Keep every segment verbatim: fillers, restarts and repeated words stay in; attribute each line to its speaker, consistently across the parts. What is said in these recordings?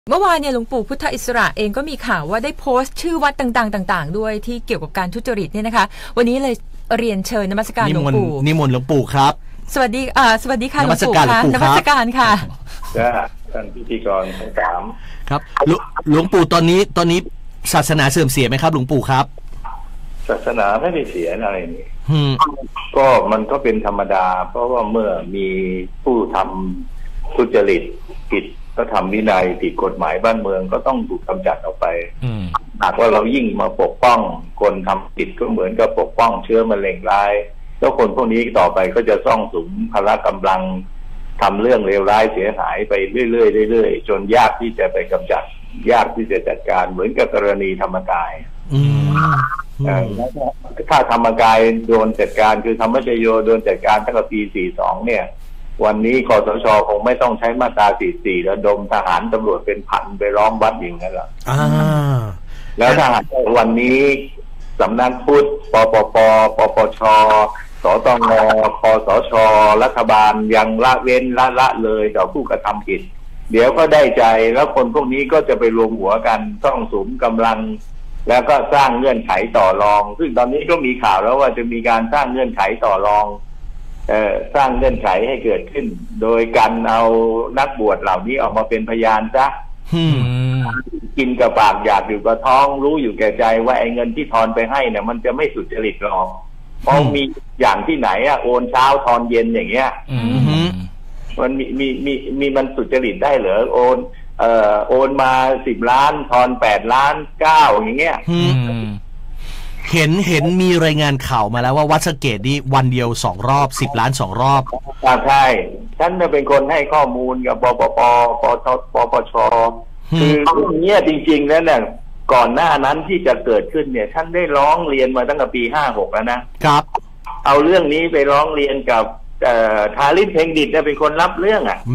Speaker 1: เมื่อวานเนี่ยหลวงปู่พุทธอิสระเองก็มีข่าวว่าได้โพสต์ชื่อวัดต่างๆต่างๆด้วยที่เกี่ยวกับการทุจริตเนี่ยนะคะวันนี้เลยเรียนเชิญนมัสการหลวงปู่
Speaker 2: นิมนต์หลวงปู่ครับ
Speaker 1: สวัสดีอ่าสวัสดีค่ะหลวงปู่ค่ะนมัสการค่ะ
Speaker 3: ท่านพิธีกรทั้งสาม
Speaker 2: ครับหลวงปู่ตอนนี้ตอนนี้ศาสนาเสื่อมเสียไหมครับหลวงปู่ครับ
Speaker 3: ศาสนาไม่ได้เสียอะไรนี่ก็มันก็เป็นธรรมดาเพราะว่าเมื่อมีผู้ทำทุจริตผิดก็ทำวินัยผิดกฎหมายบ้านเมืองก็ต้องถูกกำจัดออกไปหากว่าเรายิ่งมาปกป้องคนทำผิดก็เหมือนกับปกป้องเชื้อมะเร็งร้ายแล้วคนพวกนี้ต่อไปก็จะซ่องสุมพละกำลังทำเรื่องเลวร้ายเสียหายไปเรื่อยๆเรื่อยๆจนยากที่จะไปกำจัดยากที่จะจัดการเหมือนกับกรณีธรรมกายถ้าธรรมกายโดนจัดการคือธรรมชโยโดนจัดการตั้งแต่ปีสี่สิบสองเนี่ยวันนี้คสช.คงไม่ต้องใช้มาตราสี่สิบสี่แล้วดมทหารตำรวจเป็นพันไปล้อมวัดอย่างนั้นหรอกแล้วถ้าหากวันนี้สำนักพุทธปปปปปช.สตง.คสช.รัฐบาลยังละเว้นละละเลยต่อผู้กระทำผิดเดี๋ยวก็ได้ใจแล้วคนพวกนี้ก็จะไปรวมหัวกันต้องสุมกำลังแล้วก็สร้างเงื่อนไขต่อรองซึ่งตอนนี้ก็มีข่าวแล้วว่าจะมีการสร้างเงื่อนไขต่อรองเอ่อสร้างเงื่อนไขให้เกิดขึ้นโดยการเอานักบวชเหล่านี้ออกมาเป็นพยานซะกินกับปากอยากอยู่กับท้องรู้อยู่แก่ใจว่าไอ้เงินที่ทอนไปให้เนี่ยมันจะไม่สุจริตหรอกเพราะมีอย่างที่ไหนอะโอนเช้าทอนเย็นอย่างเงี้ยมันมีมีมีมีมันสุจริตได้เหรอโอนเอ่อโอนมาสิบล้านทอนแปดล้านเก้าอย่างเงี้ย
Speaker 2: เห็นเห็นมีรายงานข่าวมาแล้วว่าวัดสะเกษนี่วันเดียวสองรอบสิบล้านสองรอบ
Speaker 3: ใช่ฉันเป็นคนให้ข้อมูลกับปปปปชปปชคือเรื่องนี้จริงๆแล้วเนี่ยก่อนหน้านั้นที่จะเกิดขึ้นเนี่ยท่านได้ร้องเรียนมาตั้งแต่ปีห้าหกแล้วนะครับเอาเรื่องนี้ไปร้องเรียนกับทาริศเพ็งดิษฐ์เป็นคนรับเรื่องอ่ะ
Speaker 2: แหม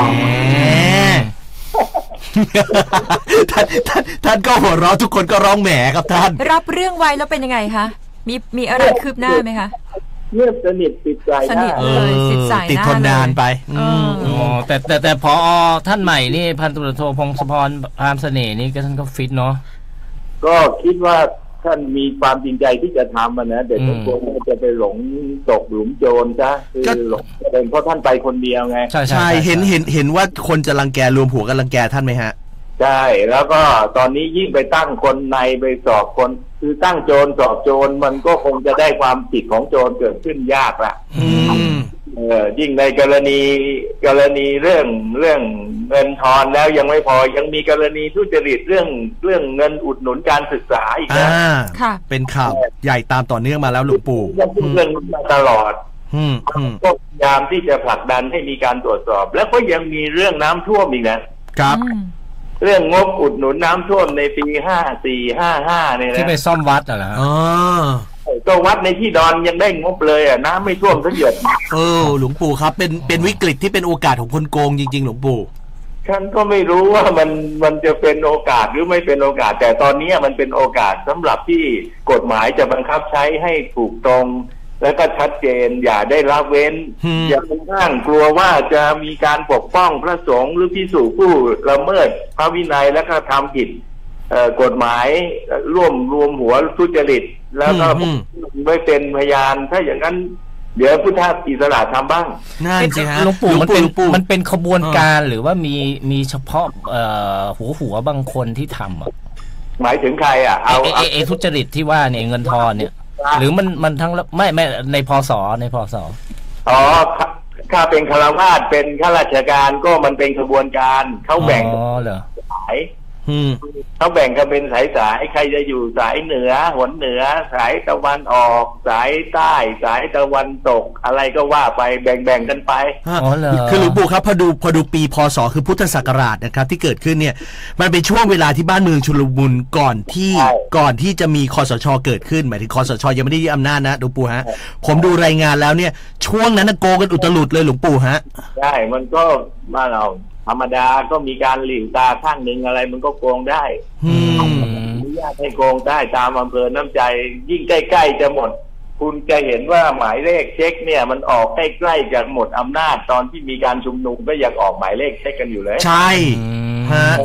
Speaker 2: ท่านท่านท่านก็หัวเราะทุกคนก็ร้องแหมครับท่าน
Speaker 1: รับเรื่องไว้แล้วเป็นยังไงคะมีมีอะไรคืบหน้าไหมคะ
Speaker 3: เงียบสนิทติดใจ
Speaker 1: สนิทเลยติดสายหน้า
Speaker 2: ติดทนนานไป
Speaker 4: อ๋อแต่แต่แต่พอท่านใหม่นี่พันตำรวจโทพงศพรพามเสน่ห์นี่ก็ท่านก็ฟิตเนาะ
Speaker 3: ก็คิดว่าท่านมีความจริงใจที่จะทำมันนะแต่ทุกคนจะไปหลงตกหลุมโจรซะคือหลงเป็นเพราะท่านไปคนเดียวไง
Speaker 2: ใช่ใช่เห็นเห็นเห็นว่าคนจะรังแกรวมหัวกันรังแกท่านไหมฮะ
Speaker 3: ใช่แล้วก็ตอนนี้ยิ่งไปตั้งคนในไปสอบคนคือตั้งโจรสอบโจรมันก็คงจะได้ความผิดของโจรเกิดขึ้นยากละเออยิ่งในกรณีกรณีเรื่องเรื่องเงินทอนแล้วยังไม่พอยังมีกรณีทุจริตเรื่องเรื่องเงินอุดหนุนการศึกษาอีกนะ
Speaker 2: ค่ะเป็นข่าวใหญ่ตามต่อเนื่องมาแล้วหลวงปู่
Speaker 3: เรื่องนี้มาตลอดก็พยายามที่จะผลักดันให้มีการตรวจสอบแล้วก็ยังมีเรื่องน้ำท่วมอีกนะครับเรื่องงบอุดหนุนน้ำท่วมในปีห้าสี่ห้าห้าเนี่ยนะ
Speaker 4: ที่ไปซ่อมวัดเหรอ
Speaker 2: อ๋อ
Speaker 3: ก็วัดในที่ดอนยังได้งบเลยอ่ะน้ำไม่ท่วมสักหยด
Speaker 2: เออหลวงปู่ครับเป็นเป็นวิกฤตที่เป็นโอกาสของคนโกงจริงๆหลวงปู่
Speaker 3: ฉันก็ไม่รู้ว่ามันมันจะเป็นโอกาสหรือไม่เป็นโอกาสแต่ตอนนี้มันเป็นโอกาสสำหรับที่กฎหมายจะบังคับใช้ให้ถูกตรงและก็ชัดเจนอย่าได้ละเว้นอย่าไปอ้างกลัวว่าจะมีการปกป้องพระสงฆ์หรือภิกษุผู้ละเมิดพระวินัยและก็ทำผิดกฎหมายร่วมรวมหัวทุจริตแล้วก็ไม่เป็นพยานถ้าอย่างนั้นเดี๋ยวพุทธอิสระทำบ้าง
Speaker 2: นั่นสิฮะ
Speaker 4: หลวงปู่มันเป็นมันเป็นขบวนการหรือว่ามีมีเฉพาะหัวหัวบางคนที่ทำอ่ะ
Speaker 3: หมายถึงใครอ่ะ
Speaker 4: เอาเอเอทุจริตที่ว่าเนี่ยเงินทอนเนี่ยหรือมันมันทั้งไม่ไม่ในพศในพศ
Speaker 3: อ๋อถ้าเป็นฆราวาสเป็นข้าราชการก็มันเป็นขบวนการเขาแบ่งสายเขาแบ่งกันเป็นสายสายใครจะอยู่สายเหนือหนเหนือสายตะวันออกสายใต้สายตะวันตกอะไรก็ว่าไปแบ่งๆกันไป
Speaker 2: คือหลวงปู่ครับพอดูพอดูปีพศคือพุทธศักราชนะครับที่เกิดขึ้นเนี่ยมันเป็นช่วงเวลาที่บ้านเมืองชุลมุนก่อนที่ก่อนที่จะมีคสช.เกิดขึ้นหมายถึงคสช.ยังไม่ได้ยึดอำนาจนะหลวงปู่ฮะผมดูรายงานแล้วเนี่ยช่วงนั้นโกงกันอุตลุดเลยหลวงปู่ฮะ
Speaker 3: ใช่มันก็บ้านเราธรรมดาก็มีการหลิวตาข้างหนึ่งอะไรมันก็โกงได้อนุญาตให้โกงได้ตามอำเภอน้ำใจยิ่งใกล้ๆจะหมดคุณจะเห็นว่าหมายเลขเช็คเนี่ยมันออกใกล้ๆจะหมดอำนาจตอนที่มีการชุมนุมก็ยังออกหมายเลขเช็คกันอยู่เลย
Speaker 2: ใช่ฮะ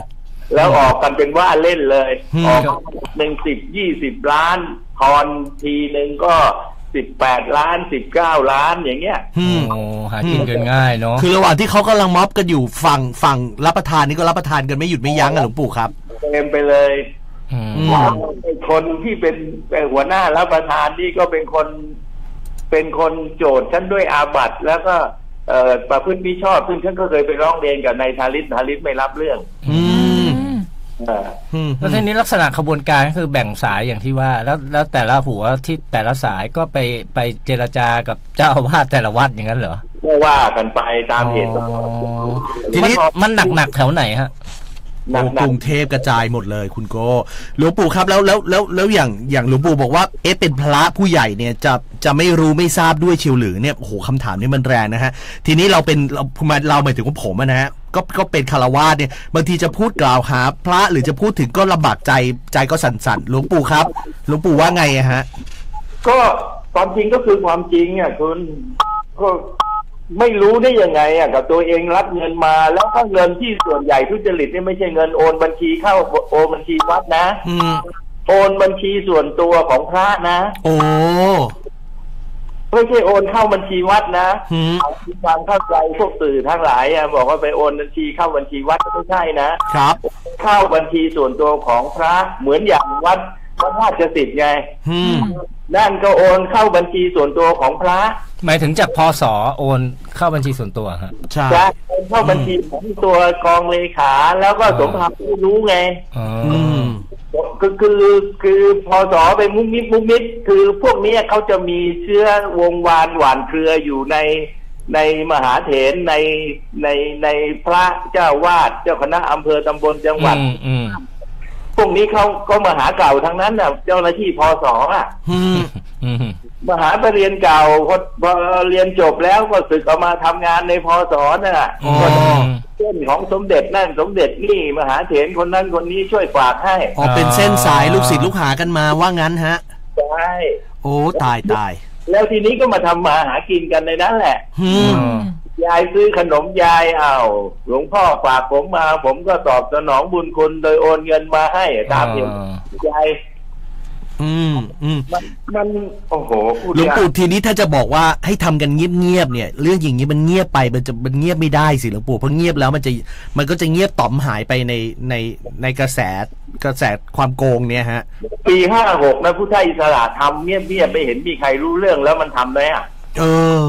Speaker 3: แล้วออกกันเป็นว่าเล่นเลย
Speaker 2: อืม
Speaker 3: ออกหนึ่งสิบยี่สิบล้านทอนทีหนึ่งก็สิบแปดล้านสิบเก้าล้านอย่างเงี้ย
Speaker 2: อืม
Speaker 4: โอ้หากินกันง่ายเนาะ
Speaker 2: คือระหว่างที่เขากำลังม็อบกันอยู่ฝั่งฝั่งรับประทานนี่ก็รับประทานกันไม่หยุดไม่ยั้งอะหลวงปู่ครับ
Speaker 3: เต็มไปเลย
Speaker 4: อืม
Speaker 3: คนที่เป็นหัวหน้ารับประทานนี่ก็เป็นคนเป็นคนโจทย์ฉันด้วยอาบัติแล้วก็เอ่อประพฤติมิชอบซึ่งฉันก็เคยไปร้องเรียนกับนายทาริศทาริศไม่รับเรื่อง
Speaker 2: อืม
Speaker 3: เอ่อ
Speaker 2: อืม
Speaker 4: แล้วทีนี้ลักษณะขบวนการก็คือแบ่งสายอย่างที่ว่า แล้วแล้วแต่ละหัวที่แต่ละสายก็ไปไปเจรจากับเจ้าอาวาสแต่ละวัดอย่างนั้นเหรอ
Speaker 3: ก็ว่ากันไปตามเหตุ
Speaker 4: อ๋อ
Speaker 2: ทีนี้
Speaker 4: มันหนักหนักๆแถวไหนฮะ
Speaker 3: หนั
Speaker 2: โอ้
Speaker 3: ก
Speaker 2: กรุงเทพกระจายหมดเลยคุณโกหลวงปู่ครับแล้วแล้วแล้วแล้วอย่างอย่างหลวงปู่บอกว่าเอ๊ะเป็นพระผู้ใหญ่เนี่ยจะจะไม่รู้ไม่ทราบด้วยเชียวหรือเนี่ยโอ้โหคำถามนี้มันแรงนะฮะทีนี้เราเป็นเราเราหมายถึงว่าผมอะนะฮะก็ก็เป็นคารวาสเนี่ยบางทีจะพูดกล่าวหาพระหรือจะพูดถึงก็ลำบากใจใจก็สั่นๆหลวงปู่ครับหลวงปู่ว่าไงอะฮะ
Speaker 3: ๆก็ความจริงก็คือความจริงอ่ะคุณก็ไม่รู้ได้ยังไงอ่ะกับตัวเองรับเงินมาแล้วก็เงินที่ส่วนใหญ่ทุจริตนี่ไม่ใช่เงินโอนบัญชีเข้าโอนบัญชีวัดนะ
Speaker 2: อืม
Speaker 3: โอนบัญชีส่วนตัวของพระนะ
Speaker 2: โอ้
Speaker 3: ไม่ใช่โอนเข้าบัญชีวัดนะ
Speaker 2: หืม
Speaker 3: เอาที่ความเข้าใจพวกสื่อทั้งหลายอ่ะบอกว่าไปโอนบัญชีเข้าบัญชีวัดไม่ใช่นะครับ เข้าบัญชีส่วนตัวของพระเหมือนอย่างวัดพระราชสิทธิ์ไง
Speaker 2: อืม
Speaker 3: นั่นก็โอนเข้าบัญชีส่วนตัวของพระ
Speaker 4: หมายถึงจากพศโอนเข้าบัญชีส่วนตัวฮะ
Speaker 2: ใช่
Speaker 3: จะโอนเข้าบัญชีของตัวกองเลขาแล้วก็สมภารผู้รู้ไง
Speaker 4: อ๋อ
Speaker 2: อืม
Speaker 3: คือคือคือพอสอไปมุกมิดมุกมิดคือพวกนี้เขาจะมีเชื้อวงวานหวานเครืออยู่ในในมหาเถรในในในพระเจ้าวาดเจ้าคณะอำเภอตำบลจังหวัด
Speaker 4: อืมอืม
Speaker 3: พวกนี้เขาก็มหาเก่าทั้งนั้นน่ะเจ้าหน้าที่พศอ่ะ
Speaker 2: อืม
Speaker 4: อืม
Speaker 3: มหาปรริญญาเก่าพอพอเรียนจบแล้วก็ศึกออกมาทำงานในพศน่ะ
Speaker 2: อ๋อ
Speaker 3: ก็เส้นของสมเด็จนั่นสมเด็จนี่มหาเถรคนนั้นคนนี้ช่วยฝากให้
Speaker 2: อ๋อเป็นเส้นสายลูกศิษย์ลูกหากันมาว่างั้นฮะ
Speaker 3: ใช่
Speaker 2: โอ้ตายตาย
Speaker 3: แล้วทีนี้ก็มาทำมาหากินกันในนั้นแหละ
Speaker 2: อืม
Speaker 3: ยายซื้อขนมยายเอาหลวงพ่อฝากผมมา ผมก็ตอบสนองบุญคุณโดยโอนเงินมาให้ตามเหตุยาย
Speaker 2: อืมอืม
Speaker 3: มันมันโอ้โหพูด
Speaker 2: หลวง
Speaker 3: ยาก
Speaker 2: ปู่ทีนี้ถ้าจะบอกว่าให้ทำกันเงียบๆเนี่ย เรื่องอย่างนี้มันเงียบไปมันจะมันเงียบไม่ได้สิหลวงปู่เพราะเงียบแล้วมันจะมันก็จะเงียบต่อมหายไปในในในกระแสกระแสความโกงเนี่ยฮะ
Speaker 3: ปีห้าหกนะผู้ไทยอิสระทำเงียบๆไม่เห็นมีใครรู้เรื่องแล้วมันทำไหมอ่ะ
Speaker 2: เออ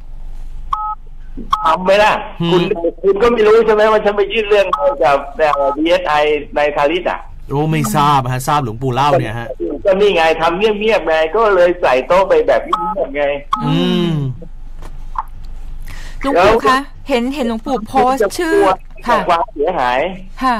Speaker 3: ทำไหมล่ะ
Speaker 2: อืม
Speaker 3: คุณคุณก็ไม่รู้ใช่ไหมว่าฉันไปยื่นเรื่องให้กับดี เอส ไอ ในทาริสอ่ะ
Speaker 2: โอ้ไม่ทราบฮะทราบหลวงปู่เล่าเนี่ยฮะ
Speaker 3: ก็นี่ไงทำเงียบๆไงก็เลยใส่โต๊ะไปแบบเงียบๆไง
Speaker 2: อืม
Speaker 1: หลวงปู่คะเห็นเห็นหลวงปู่โพสต์ชื่อ
Speaker 3: ค่ะ
Speaker 1: ค่ะ
Speaker 3: ความเสียหาย
Speaker 1: ค่ะ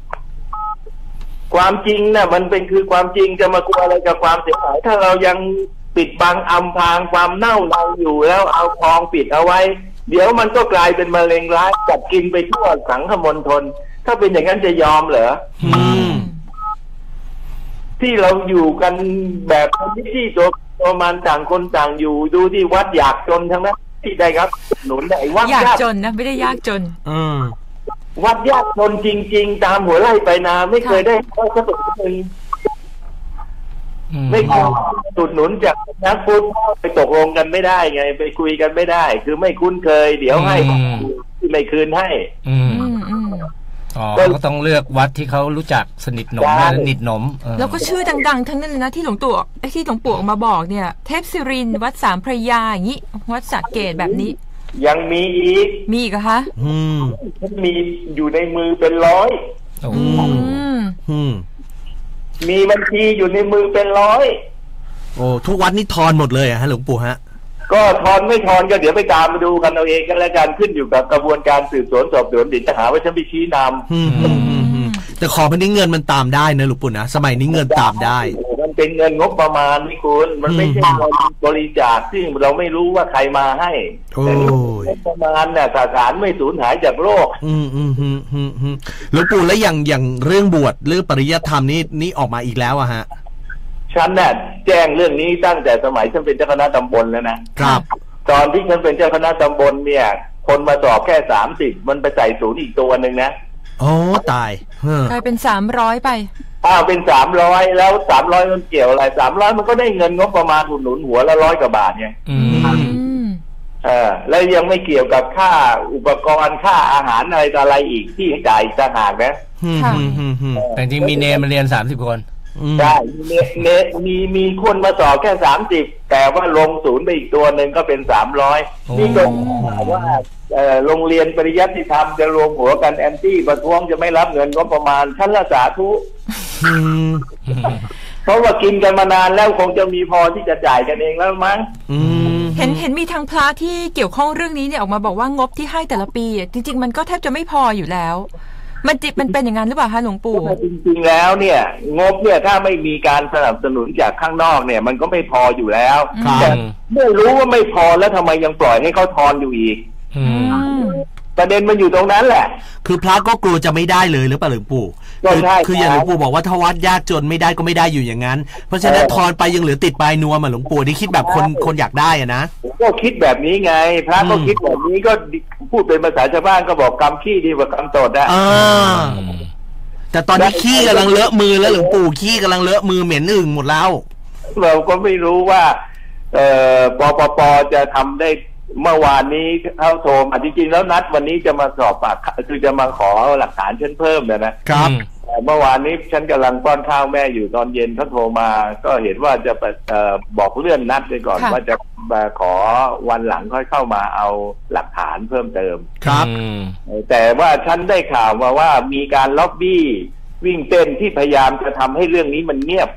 Speaker 3: ความจริงน่ะมันเป็นคือความจริงจะมากลัวอะไรกับความเสียหาย ถ้าเรายังปิดบังอำพรางความเน่าเราอยู่แล้วเอาทองปิดเอาไว้ เดี๋ยวมันก็กลายเป็นมะเร็งร้ายกัดกินไปทั่วสังคมณฑลถ้าเป็นอย่างนั้นจะยอมเหรอ
Speaker 2: อืม
Speaker 3: ที่เราอยู่กันแบบที่ตัวตัวมันต่างคนต่างอยู่ดูที่วัดอยากจนทั้งนั้นที่ได้ครับหนุนได้วัด
Speaker 1: ยาก
Speaker 3: ยาก
Speaker 1: จนนะไม่ได้ยากจน
Speaker 2: อืม
Speaker 3: วัดยากจนจริง ๆ ตามหัวไร่ไปนาไม่เคยได้ข้อสรุปหนึ่ง
Speaker 4: อืม
Speaker 3: ไม่เคยสุดหนุนจากนักฟุตบอลไปตกลงกันไม่ได้ไง ไปคุยกันไม่ได้ คือไม่คุ้นเคย เดี๋ยวให้ที่ไม่คืนให้
Speaker 4: อืม
Speaker 1: อืมอืม
Speaker 4: อ๋อก็ต้องเลือกวัดที่เขารู้จักสนิทหนม
Speaker 3: ใช่
Speaker 4: และสนิทหนมเออ
Speaker 1: แล้วก็ชื่อดังๆ ทั้งนั้นเลยนะที่หลวงปู่ไอ้ที่หลวงปู่ออกมาบอกเนี่ย เทพศิรินทร์วัดสามพระยาอย่างนี้ วัดสระเกตแบบนี้
Speaker 3: ยังมีอีก
Speaker 1: มีอีกเหรอคะ
Speaker 2: อืม
Speaker 3: มีอยู่ในมือเป็นร้อย
Speaker 4: โอ้
Speaker 2: อื
Speaker 1: อืม
Speaker 2: อืม
Speaker 3: มีบัญชีอยู่ในมือเป็นร้อย
Speaker 2: โอ้ทุกวัดนี่ทอนหมดเลยอะฮะหลวงปู่ฮะ
Speaker 3: ก็ทอนไม่ทอนก็เดี๋ยวไปตามมาดูกันเอาเองกันแล้วกันขึ้นอยู่กับกระบวนการสืบสวนสอบสวนเดี๋ยวจะหาว่าฉันไปชี้นำ
Speaker 2: อืมอืมอืมอืมแต่ขอพันนี้เงินมันตามได้นะหลวงปู่นะสมัยนี้เงินตามได้
Speaker 3: มันเป็นเงินงบประมาณนี่คุณมันไม่ใช่เงินบริจาคซึ่งเราไม่รู้ว่าใครมาให้
Speaker 2: โอ้ย
Speaker 3: งบประมาณเนี่ยสถานไม่สูญหายจากโลก
Speaker 2: อืมอืมอืมอืมอืมหลวงปู่แล้วอย่างอย่างเรื่องบวชเรื่องปริยัติธรรมนี่นี่ออกมาอีกแล้วอะฮะ
Speaker 3: ฉันน่ะแจ้งเรื่องนี้ตั้งแต่สมัยฉันเป็นเจ้าคณะตำบลแล้วนะครับ ตอนที่ฉันเป็นเจ้าคณะตำบลเนี่ย คนมาสอบแค่สามสิบมันไปใส่ศูนย์อีกตัวหนึ่งนะ
Speaker 2: โอ้ตาย
Speaker 1: กลายเป็นสามร้อยไป
Speaker 3: อ้าวเป็นสามร้อยแล้วสามร้อยมันเกี่ยวอะไรสามร้อยมันก็ได้เงินงบประมาณอุดหนุนหัวละร้อยกว่าบาทไง
Speaker 4: อืม
Speaker 3: เออแล้วยังไม่เกี่ยวกับค่าอุปกรณ์ค่าอาหารอะไรต่ออะไรอีกที่จ่ายต่างหากนะ
Speaker 4: แต่จริงมีเนมมาเรียนสามสิบคน
Speaker 3: ใช่มีเนมีมีคนมาสอบแค่สามสิบแต่ว่าลงศูนย์ไปอีกตัวหนึ่งก็เป็นสามร้อยนี่ก็ว่าโรงเรียนปริยัติธรรมจะรวมหัวกันแอนตี้ประท้วงจะไม่รับเงินงบประมาณชั้นละสาธุเพราะว่ากินกันมานานแล้วคงจะมีพอที่จะจ่ายกันเองแล้วมั้ง
Speaker 1: เห็นเห็นมีทางพระที่เกี่ยวข้องเรื่องนี้เนี่ยออกมาบอกว่างบที่ให้แต่ละปีจริงๆมันก็แทบจะไม่พออยู่แล้วมันจิตมันเป็นอย่างนั้นหรือเปล่าคะหลวงปู่
Speaker 3: จริงๆแล้วเนี่ยงบเนี่ยถ้าไม่มีการสนับสนุนจากข้างนอกเนี่ยมันก็ไม่พออยู่แล้วแต่ไม่รู้ว่าไม่พอแล้วทำไมยังปล่อยให้เขาทอนอยู่อีกประเด็นมันอยู่ตรงนั้นแหละ
Speaker 2: คือพระก็กลัวจะไม่ได้เลยหรือเปล่าหลวงปู่คือคืออย่างหลวงปู่บอกว่าถ้าวัดยากจนไม่ได้ก็ไม่ได้อยู่อย่างนั้นเพราะฉะนั้นทอนไปยังเหลือติดปลายนวมอ่ะหลวงปู่นี่คิดแบบคนคนอยากได้อ่ะนะ
Speaker 3: ก็คิดแบบนี้ไงพระก็คิดแบบนี้ก็พูดเป็นภาษาชาวบ้านก็บอกกำขี้ดีกว่ากำตดอ่ะ
Speaker 2: แต่ตอนนี้ขี้กำลังเลอะมือแล้วหลวงปู่ขี้กำลังเลอะมือเหม็นอึ่งหมดแล้ว
Speaker 3: เราก็ไม่รู้ว่าเอ่อปปปจะทำได้เมื่อวานนี้เขาโทรมาจริงๆแล้วนัดวันนี้จะมาสอบปากคือจะมาขอหลักฐานฉันเพิ่มนะนะครับแต่เมื่อวานนี้ฉันกำลังป้อนข้าวแม่อยู่ตอนเย็นเขาโทรมาก็เห็นว่าจะเอ่อบอกเลื่อนนัดไปก่อนว่าจะมาขอวันหลังค่อยเข้ามาเอาหลักฐานเพิ่มเติม
Speaker 2: ครับ
Speaker 3: แต่ว่าฉันได้ข่าวมาว่ามีการล็อบบี้วิ่งเต้นที่พยายามจะทำให้เรื่องนี้มันเงียบ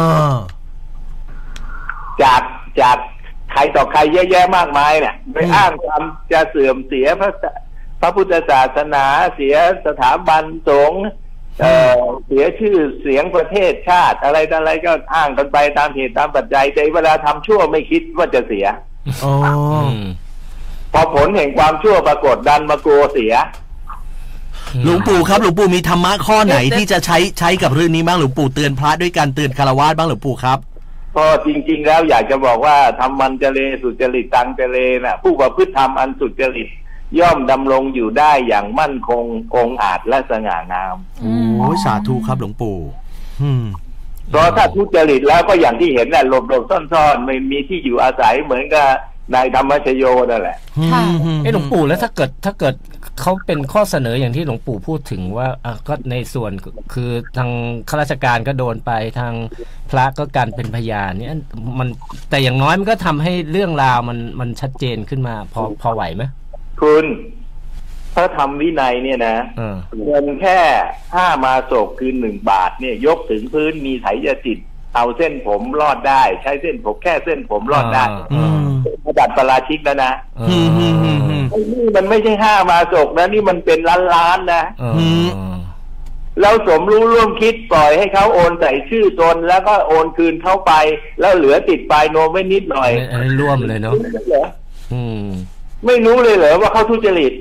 Speaker 3: จากจากใครต่อใครแย่ๆมากมายเนี่ยไปอ้างความจะเสื่อมเสียพระพระพุทธศาสนาเสียสถาบันสงฆ์เอ่อเสียชื่อเสียงประเทศชาติอะไรอะไรก็อ้างกันไปตามเหตุตามปัจจัยแต่เวลาทำชั่วไม่คิดว่าจะเสีย
Speaker 2: อ๋อ
Speaker 3: พอผลแห่งความชั่วปรากฏดันมากลัวเสีย
Speaker 2: หลวงปู่ครับหลวงปู่มีธรรมะข้อไหนที่จะใช้ใช้กับเรื่องนี้บ้างหลวงปู่เตือนพระด้วยการเตือนฆราวาสบ้างหลวงปู่ครับ
Speaker 3: ก็จริงๆแล้วอยากจะบอกว่าทำมันเจเลสุจริตตังเจเลน่ะผู้ประพฤติธรรมอันสุจริตย่อมดำรงอยู่ได้อย่างมั่นคงองอาจและสง่างาม
Speaker 2: โอ้สาธุครับหลวงปู่
Speaker 3: เพราะถ้าทุจริตแล้วก็อย่างที่เห็นแหละหลบหลบซ่อนๆไม่มีที่อยู่อาศัยเหมือนกับนายธรรมชโยนั่นแหละ
Speaker 4: ไอ้หลวงปู่แล้วถ้าเกิดถ้าเกิดเขาเป็นข้อเสนออย่างที่หลวงปู่พูดถึงว่าอ่ะก็ในส่วนคือทางข้าราชการก็โดนไปทางพระก็การเป็นพยานเนี่ยมันแต่อย่างน้อยมันก็ทำให้เรื่องราวมันมันชัดเจนขึ้นมาพอพอไหวไหม
Speaker 3: คุณพระธรรมวินัยเนี่ยนะเงินแค่ห้ามาศกคือหนึ่งบาทเนี่ยยกถึงพื้นมีไถยจิตเอาเส้นผมรอดได้ใช้เส้นผมแค่เส้นผมรอดได้ระดับปราชิกแล้วนะนี่มันไม่ใช่ห้ามาศกนะนี่มันเป็นล้านล้านนะแล้วสมรู้ร่วมคิดปล่อยให้เขาโอนใส่ชื่อตนแล้วก็โอนคืนเข้าไปแล้วเหลือติดปลายโนมไว้นิดหน่อย
Speaker 4: อันนี้ร่วมเลยเนาะ
Speaker 3: ไม่รู้เลยเหรอว่าเขาทุจริต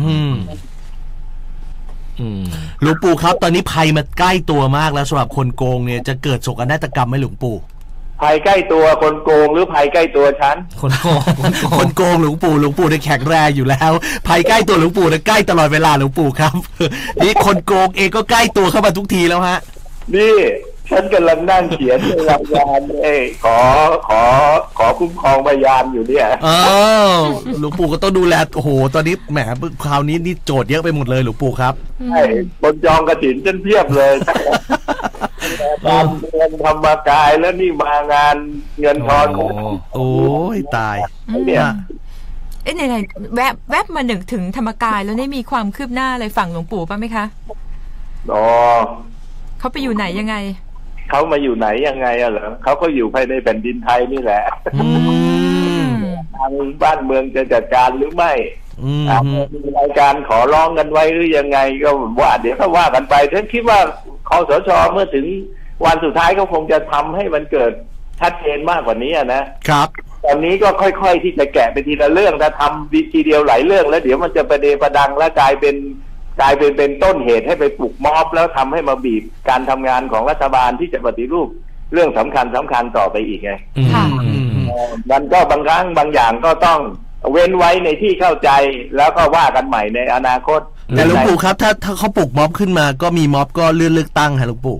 Speaker 2: หลวงปู่ครับตอนนี้ภัยมันใกล้ตัวมากแล้วสำหรับคนโกงเนี่ยจะเกิดโศกนาฏกรรมไหมหลวงปู่
Speaker 3: ภัยใกล้ตัวคนโกงหรือภัยใกล้ตัวฉัน
Speaker 2: คนโกงคนโกงหลวงปู่หลวงปู่เนี่ยแข็งแรงอยู่แล้วภัยใกล้ตัวหลวงปู่เนี่ยใกล้ตลอดเวลาหลวงปู่ครับนี่คนโกงเองก็ใกล้ตัวเข้ามาทุกทีแล้วฮะ
Speaker 3: นี่ฉันกำลังนั่งเขียนในรายงานเอ้ขอขอขอคุ้มครองพยานอยู่เนี่ย
Speaker 2: อ๋อหลวงปู่ก็ต้องดูแลโอ้โหตอนนี้แหมคราวนี้นี่โจทย์เยอะไปหมดเลยหลวงปู่ครับ
Speaker 3: ใช่คนจองกฐินจนเพียบเลยทำเงินธรรมกายแล้วนี่มางานเงินทอน
Speaker 2: โอ้ยตาย
Speaker 1: เนี่ยเอ๊ะไหนๆแวบแวบมาหนึ่งถึงธรรมกายแล้วได้มีความคืบหน้าอะไรฝั่งหลวงปู่ป่ะไหมคะ
Speaker 3: อ๋อ
Speaker 1: เขาไปอยู่ไหนยังไง
Speaker 3: เขามาอยู่ไหนยังไงอะเหรอเขาก็อยู่ภายในแผ่นดินไทยนี่แหละทางบ้านเมืองจะจัดการหรือไม่มีรายการขอร้องกันไว้หรือยังไงก็ว่าเดี๋ยวเขาว่ากันไปฉันคิดว่าคสช.เมื่อถึงวันสุดท้ายก็คงจะทำให้มันเกิดชัดเจนมากกว่านี้นะครับตอนนี้ก็ค่อยๆที่จะแกะไปทีละเรื่องถ้าทำทีเดียวหลายเรื่องแล้วเดี๋ยวมันจะประเดประดังและกลายเป็นกลายเป็นเป็นต้นเหตุให้ไปปลุกม็อบแล้วทำให้มาบีบการทำงานของรัฐบาลที่จะปฏิรูปเรื่องสำคัญสำคัญต่อไปอีกไงมันก็บางครั้งบางอย่างก็ต้องเว้นไว้ในที่เข้าใจแล้วก็ว่ากันใหม่ในอนาคต
Speaker 2: แต่หลวงปู่ครับถ้าถ้าเขาปลุกม็อบขึ้นมาก็มีม็อบก็เลื่อนเลือกตั้งฮะหลวงปู่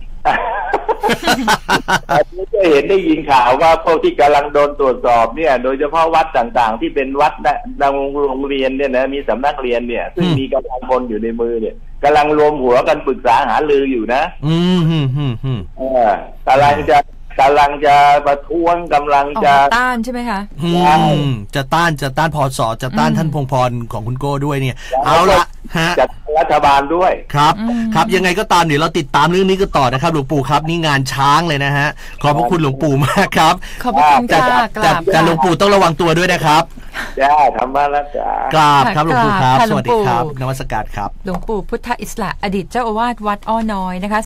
Speaker 3: อันนี้ก็เห็นได้ยินข่าวว่าพวกที่กำลังโดนตรวจสอบเนี่ยโดยเฉพาะวัดต่างๆที่เป็นวัดดังโรงเรียนเนี่ยนะมีสำนักเรียนเนี่ยซึ่งมีกำลังพลอยู่ในมือเนี่ยกำลังรวมหัวกันปรึกษาหารืออยู่นะ
Speaker 2: อืมอืมอืมอืม
Speaker 3: กำลังจะกำลังจะประท้วงกำลังจะ
Speaker 1: ต้านใช่ไหมคะ
Speaker 2: อืมจะต้านจะต้านพสจะต้านท่านพงษ์พรของคุณโก้ด้วยเนี่ยเอาละฮะ
Speaker 3: จัดรัฐบาลด้วย
Speaker 2: ครับครับยังไงก็ตามเดี๋ยวเราติดตามเรื่องนี้กันต่อนะครับหลวงปู่ครับนี่งานช้างเลยนะฮะขอบพระคุณหลวงปู่มากครับ
Speaker 1: ขอบพระคุณค่ะกราบ
Speaker 2: แต่หลวงปู่ต้องระวังตัวด้วยนะครับ
Speaker 3: จ้าธรรมะละจ้าก
Speaker 2: ราบครับหลวงปู่ครับสวัสดีครับนมัสการครับ
Speaker 1: หลวงปู่พุทธอิสระอดีตเจ้าอาวาสวัดอ้อน้อยนะคะ